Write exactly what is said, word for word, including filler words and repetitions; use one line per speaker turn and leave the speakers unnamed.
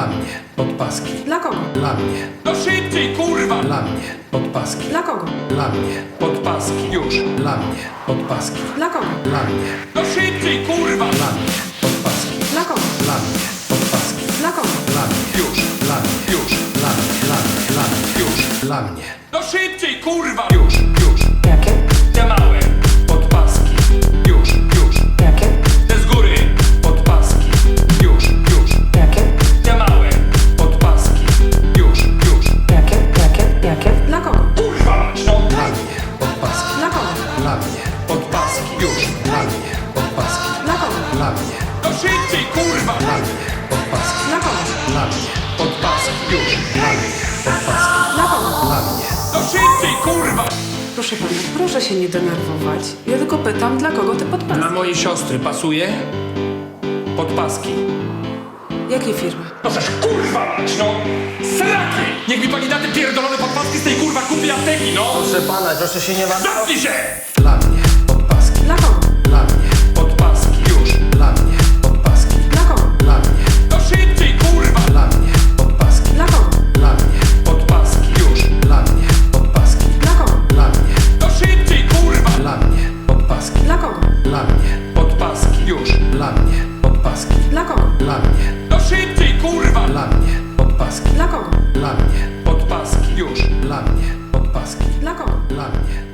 Dla mnie. Podpaski.
Dla kogo?
Dla mnie.
No szybciej, kurwa!
Dla mnie. Podpaski.
Dla kogo?
Dla mnie.
Podpaski, już.
Dla mnie. Podpaski.
Dla kogo?
Dla mnie.
No szybciej, kurwa!
Dla mnie. Podpaski.
Dla kogo?
Dla mnie. Podpaski.
Dla kogo?
Dla mnie.
Już,
Dla mnie.
już,
Dla mnie. Dla mnie. Dla mnie.
już.
Dla mnie.
No szybciej, kurwa! Już, już.
Jakie?
Te małe podpaski. Już, już.
Jakie?
Te z góry podpaski. Już, już.
Jakie?
Te małe podpaski. Już, już.
Jakie? Jakie? Jakie? Dla kogo?
Kurwa mać, no!
Dla mnie. Podpaski.
Dla kogo?
Dla mnie.
Podpaski, już.
Dla mnie. Podpaski.
Dla kogo?
Dla mnie.
No szybciej, kurwa!
Dla mnie. Podpaski.
Dla kogo?
Dla mnie.
Podpaski, już.
Dla mnie. Podpaski.
Dla kogo?
Dla mnie.
No szybciej, kurwa!
Proszę pana, proszę się nie denerwować. Ja tylko pytam, dla kogo te
Dla
podpaski?
mojej siostry pasuje? Podpaski.
Jakiej firmy?
No też kurwa mać, no! Sraki! Niech mi pani da te pierdolone podpaski z tej kurwa kupi apteki, no!
Proszę pana, proszę się nie ma...
Zamknij się!
Dla mnie. Podpaski.
Dla kogo?
Dla mnie.
Podpaski, już.
Dla mnie. Podpaski.
Dla kogo?
Dla mnie.
No szybciej, kurwa!
Dla mnie. Podpaski.
Dla kogo?
Dla mnie.
Podpaski, już.
Dla mnie. Podpaski.
Dla kogo?
Dla mnie.
No szybciej, kurwa!
Dla mnie. Podpaski.
Dla kogo?
Dla mnie.
Podpaski, już.
Dla mnie. Podpaski.
Dla kogo?
Dla mnie.
No szybciej, kurwa!
Dla mnie. Podpaski.
Dla kogo?
Dla mnie.
Podpaski, już.
Dla mnie. Podpaski.
Dla kogo?
Dla mnie.